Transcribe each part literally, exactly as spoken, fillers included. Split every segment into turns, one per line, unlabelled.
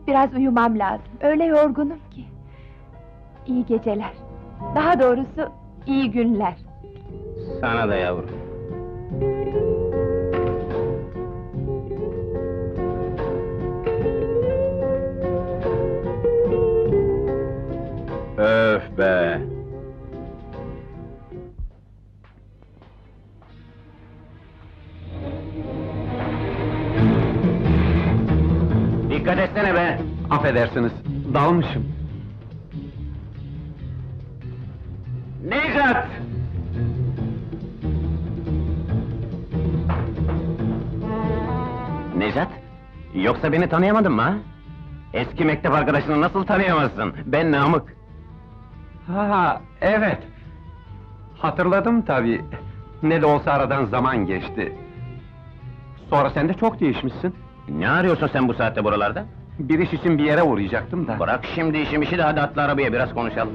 yatıp biraz uyumam lazım. Öyle yorgunum ki. İyi geceler. Daha doğrusu iyi günler.
Sana da yavrum. Öf be! Dikkat etsene be!
Affedersiniz, dalmışım.
Nejat! Nejat? Yoksa beni tanıyamadın mı ha? Eski mektep arkadaşını nasıl tanıyamazsın? Ben Namık.
Ha, evet. Hatırladım tabii. Ne de olsa aradan zaman geçti. Sonra sen de çok değişmişsin.
Ne arıyorsun sen bu saatte buralarda?
Bir iş için bir yere uğrayacaktım da.
Bırak şimdi işim işi de hadi atla arabaya biraz konuşalım.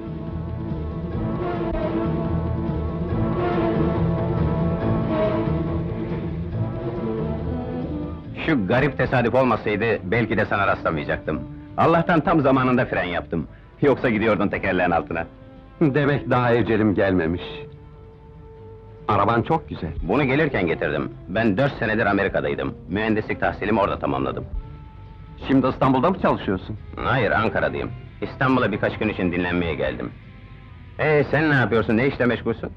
Şu garip tesadüf olmasaydı belki de sana rastlamayacaktım. Allah'tan tam zamanında fren yaptım. Yoksa gidiyordun tekerleğin altına.
Demek daha ecelim gelmemiş. Araban çok güzel.
Bunu gelirken getirdim. Ben dört senedir Amerika'daydım. Mühendislik tahsilimi orada tamamladım.
Şimdi İstanbul'da mı çalışıyorsun?
Hayır, Ankara'dayım. İstanbul'a birkaç gün için dinlenmeye geldim. Ee, sen ne yapıyorsun, ne işle meşgulsün?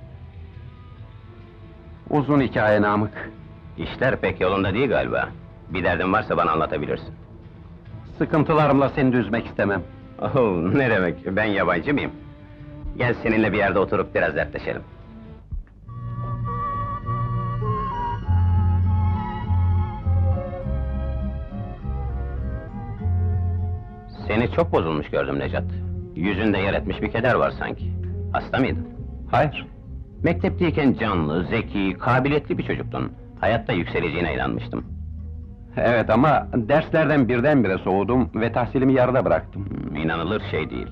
Uzun hikaye Namık.
İşler pek yolunda değil galiba. Bir derdin varsa bana anlatabilirsin.
Sıkıntılarımla seni de üzmek istemem.
Oh, ne demek, ben yabancı mıyım? Gel seninle bir yerde oturup biraz dertleşelim. Seni çok bozulmuş gördüm Necat. Yüzünde yer etmiş bir keder var sanki. Hasta mıydın?
Hayır.
Mektepteyken canlı, zeki, kabiliyetli bir çocuktun. Hayatta yükseleceğine inanmıştım.
Evet ama derslerden birdenbire soğudum ve tahsilimi yarıda bıraktım.
Hmm, İnanılır şey değil.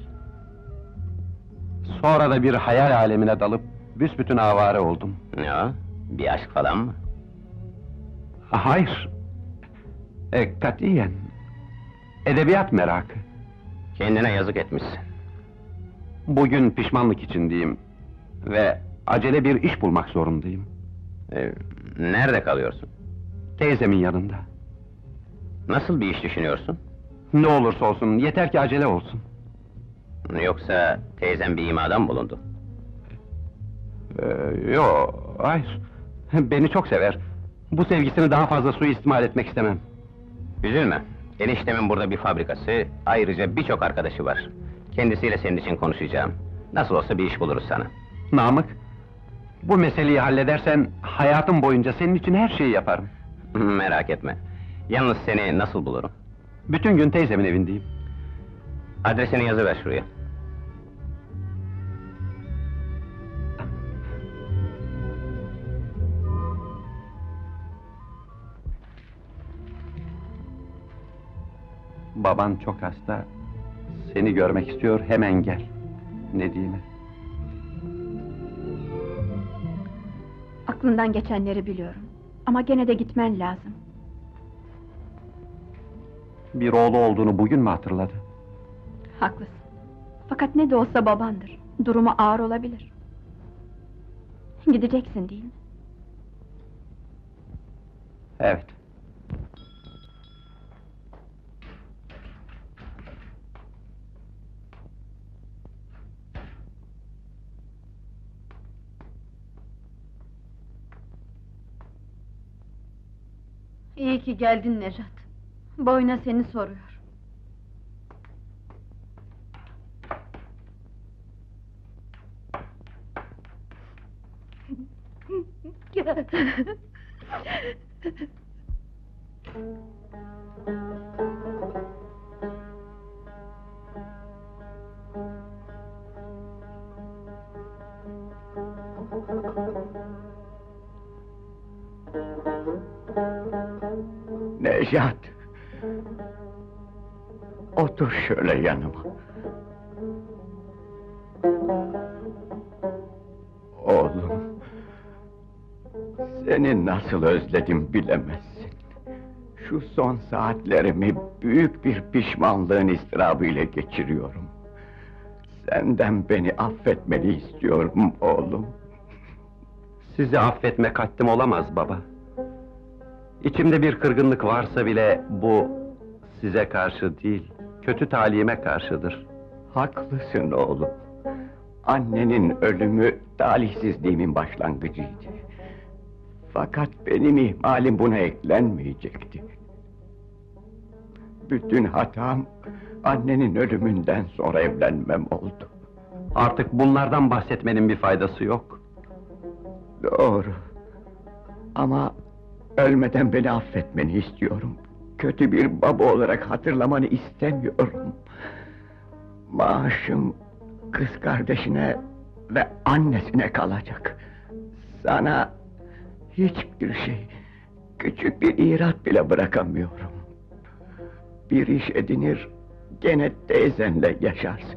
Sonra da bir hayal alemine dalıp büsbütün avare oldum.
Ya, bir aşk falan mı?
Ha, hayır. E, katiyen. Edebiyat merakı.
Kendine yazık etmişsin.
Bugün pişmanlık içindeyim. Ve acele bir iş bulmak zorundayım.
Ee, nerede kalıyorsun?
Teyzemin yanında.
Nasıl bir iş düşünüyorsun?
Ne olursa olsun, yeter ki acele olsun.
Yoksa teyzem bir imada mı bulundu?
Ee, yo, hayır. Beni çok sever. Bu sevgisini daha fazla suistimal etmek istemem.
Üzülme. Eniştemin burada bir fabrikası, ayrıca birçok arkadaşı var. Kendisiyle senin için konuşacağım. Nasıl olsa bir iş buluruz sana.
Namık, bu meseleyi halledersen hayatım boyunca senin için her şeyi yaparım.
Merak etme. Yalnız seni nasıl bulurum?
Bütün gün teyzemin evindeyim.
Adresini yazıver şuraya.
Baban çok hasta. Seni görmek istiyor, hemen gel. Ne diyeyim?
Aklından geçenleri biliyorum. Ama gene de gitmen lazım.
Bir oğlu olduğunu bugün mü hatırladı?
Haklısın. Fakat ne de olsa babandır. Durumu ağır olabilir. Gideceksin değil mi?
Evet.
İyi ki geldin Nejat. Boyuna seni soruyor.
Nejat! Otur şöyle yanıma. Oğlum, seni nasıl özledim bilemezsin. Şu son saatlerimi büyük bir pişmanlığın ızdırabıyla geçiriyorum. Senden beni affetmeni istiyorum oğlum.
Sizi affetmek haddim olamaz baba. İçimde bir kırgınlık varsa bile bu size karşı değil, kötü talihime karşıdır.
Haklısın oğlum. Annenin ölümü talihsizliğimin başlangıcıydı. Fakat benim ihmalim buna eklenmeyecekti. Bütün hatam annenin ölümünden sonra evlenmem oldu.
Artık bunlardan bahsetmenin bir faydası yok.
Doğru. Ama ölmeden beni affetmeni istiyorum. Kötü bir baba olarak hatırlamanı istemiyorum. Maaşım kız kardeşine ve annesine kalacak. Sana hiçbir şey, küçük bir irat bile bırakamıyorum. Bir iş edinir, gene teyzenle yaşarsın.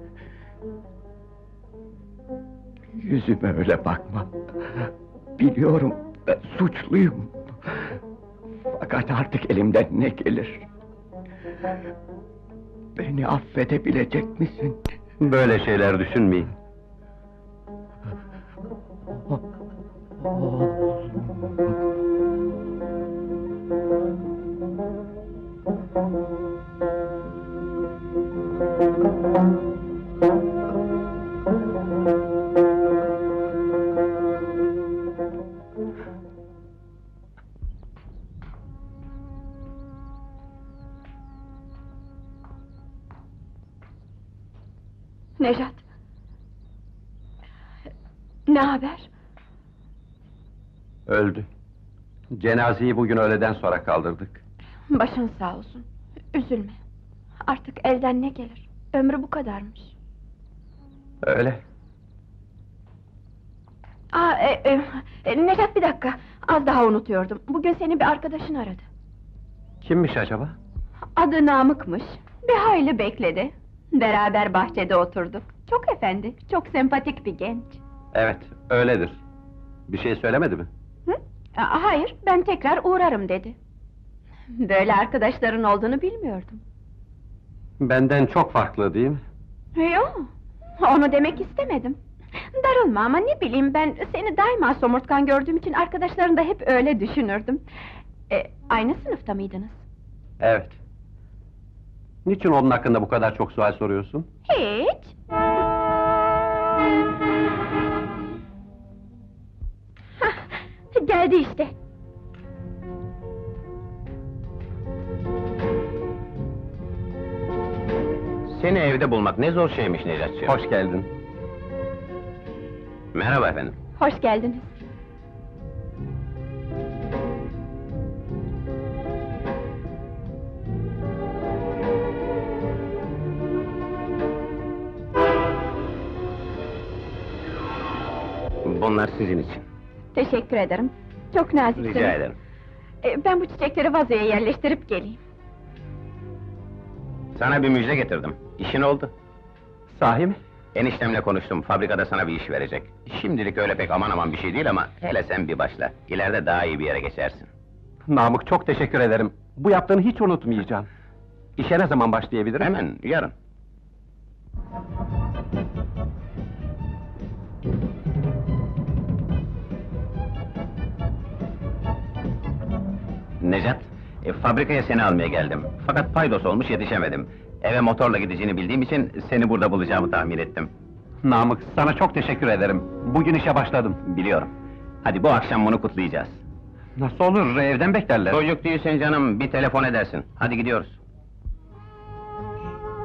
Yüzüme öyle bakma. Biliyorum, ben suçluyum. Fakat artık elimden ne gelir? Beni affedebilecek misin?
Böyle şeyler düşünmeyin.
Nejat! Ne haber?
Öldü. Cenazeyi bugün öğleden sonra kaldırdık.
Başın sağ olsun. Üzülme. Artık elden ne gelir? Ömrü bu kadarmış.
Öyle.
Aa, e, e, e, Nejat bir dakika. Az daha unutuyordum. Bugün seni bir arkadaşın aradı.
Kimmiş acaba?
Adı Namık'mış. Bir hayli bekledi. Beraber bahçede oturduk. Çok efendi, çok sempatik bir genç.
Evet, öyledir. Bir şey söylemedi mi?
Hı? Aa, hayır, ben tekrar uğrarım dedi. Böyle arkadaşların olduğunu bilmiyordum.
Benden çok farklı değil mi?
Yok, onu demek istemedim. Darılma ama ne bileyim ben, seni daima somurtkan gördüğüm için arkadaşların da hep öyle düşünürdüm. E, aynı sınıfta mıydınız?
Evet. Niçin onun hakkında bu kadar çok sual soruyorsun?
Hiç. Hah, geldi işte.
Seni evde bulmak ne zor şeymiş Necatçığım.
Hoş geldin.
Merhaba efendim.
Hoş geldiniz.
Bunlar sizin için.
Teşekkür ederim. Çok naziksiniz.
Rica ederim.
E, ben bu çiçekleri vazoya yerleştirip geleyim.
Sana bir müjde getirdim. İşin oldu.
Sahi mi?
Eniştemle konuştum, fabrikada sana bir iş verecek. Şimdilik öyle pek aman aman bir şey değil ama hele sen bir başla. İleride daha iyi bir yere geçersin.
Namık, çok teşekkür ederim. Bu yaptığını hiç unutmayacağım. İşe ne zaman başlayabilirim?
Hemen, yarın. Necat, e, fabrikaya seni almaya geldim. Fakat paydos olmuş yetişemedim. Eve motorla gideceğini bildiğim için seni burada bulacağımı tahmin ettim.
Namık, sana çok teşekkür ederim. Bugün işe başladım.
Biliyorum. Hadi bu akşam bunu kutlayacağız.
Nasıl olur, evden beklerler.
Çocuk değilsin canım, bir telefon edersin. Hadi gidiyoruz.